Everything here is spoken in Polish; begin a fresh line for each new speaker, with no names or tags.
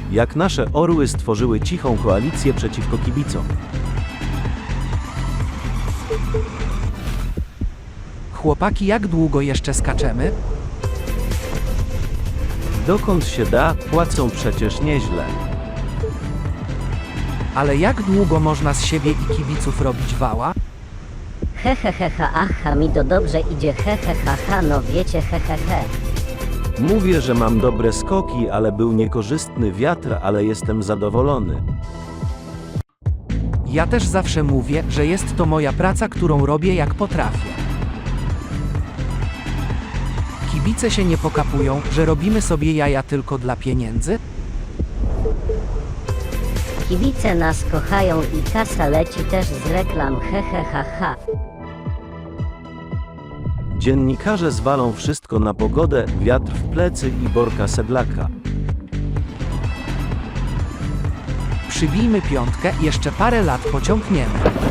Jak nasze orły stworzyły cichą koalicję przeciwko kibicom.
Chłopaki, jak długo jeszcze skaczemy?
Dokąd się da, płacą przecież nieźle.
Ale jak długo można z siebie i kibiców robić wała?
Aha, mi to dobrze idzie, ha, no wiecie, he.
Mówię, że mam dobre skoki, ale był niekorzystny wiatr, ale jestem zadowolony.
Ja też zawsze mówię, że jest to moja praca, którą robię jak potrafię. Kibice się nie pokapują, że robimy sobie jaja tylko dla pieniędzy?
Kibice nas kochają i kasa leci też z reklam, ha.
Dziennikarze zwalą wszystko na pogodę, wiatr w plecy i Borka Sedlaka.
Przybijmy piątkę, jeszcze parę lat pociągniemy.